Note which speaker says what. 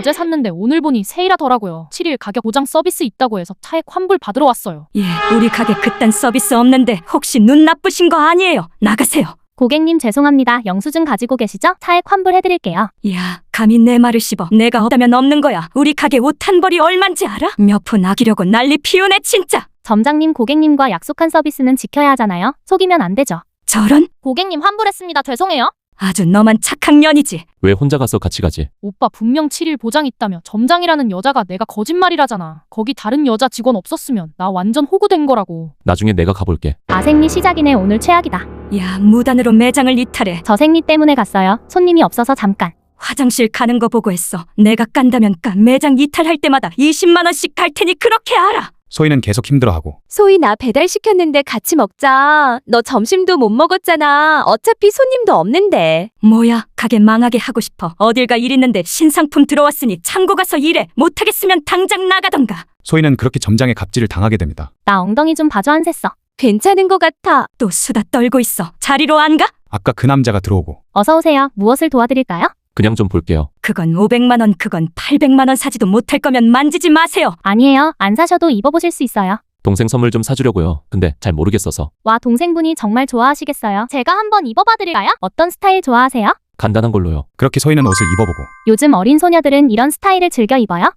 Speaker 1: 어제 샀는데 오늘 보니 세일하더라고요. 7일 가격 보장 서비스 있다고 해서 차액 환불 받으러 왔어요.
Speaker 2: 예, 우리 가게 그딴 서비스 없는데 혹시 눈 나쁘신 거 아니에요? 나가세요.
Speaker 3: 고객님 죄송합니다. 영수증 가지고 계시죠? 차액 환불해드릴게요.
Speaker 2: 야, 감히 내 말을 씹어. 내가 없다면 없는 거야. 우리 가게 옷 한 벌이 얼만지 알아? 몇 푼 아끼려고 난리 피우네 진짜.
Speaker 3: 점장님, 고객님과 약속한 서비스는 지켜야 하잖아요. 속이면 안 되죠.
Speaker 2: 저런?
Speaker 3: 고객님 환불했습니다. 죄송해요.
Speaker 2: 아주 너만 착한 년이지.
Speaker 4: 왜 혼자 가서 같이 가지?
Speaker 1: 오빠 분명 7일 보장 있다며 점장이라는 여자가 내가 거짓말이라잖아. 거기 다른 여자 직원 없었으면 나 완전 호구된 거라고.
Speaker 4: 나중에 내가 가볼게.
Speaker 3: 아생리 시작이네. 오늘 최악이다.
Speaker 2: 야, 무단으로 매장을 이탈해.
Speaker 3: 저 생리 때문에 갔어요. 손님이 없어서 잠깐.
Speaker 2: 화장실 가는 거 보고 했어. 내가 깐다면 까. 매장 이탈할 때마다 20만 원씩 갈 테니 그렇게 알아.
Speaker 5: 소희는 계속 힘들어하고
Speaker 6: 소희 나 배달시켰는데 같이 먹자. 너 점심도 못 먹었잖아. 어차피 손님도 없는데.
Speaker 2: 뭐야, 가게 망하게 하고 싶어. 어딜 가 일 있는데 신상품 들어왔으니 창고 가서 일해. 못하겠으면 당장 나가던가.
Speaker 5: 소희는 그렇게 점장의 갑질을 당하게 됩니다.
Speaker 3: 나 엉덩이 좀 봐줘. 안 샜어.
Speaker 6: 괜찮은 것 같아.
Speaker 2: 또 수다 떨고 있어. 자리로 안 가?
Speaker 5: 아까 그 남자가 들어오고
Speaker 3: 어서 오세요. 무엇을 도와드릴까요?
Speaker 4: 그냥 좀 볼게요.
Speaker 2: 그건 500만 원, 그건 800만 원 사지도 못할 거면 만지지 마세요.
Speaker 3: 아니에요. 안 사셔도 입어보실 수 있어요.
Speaker 4: 동생 선물 좀 사주려고요. 근데 잘 모르겠어서.
Speaker 3: 와, 동생분이 정말 좋아하시겠어요. 제가 한번 입어봐드릴까요? 어떤 스타일 좋아하세요?
Speaker 4: 간단한 걸로요.
Speaker 5: 그렇게 소희는 옷을 입어보고
Speaker 3: 요즘 어린 소녀들은 이런 스타일을 즐겨 입어요.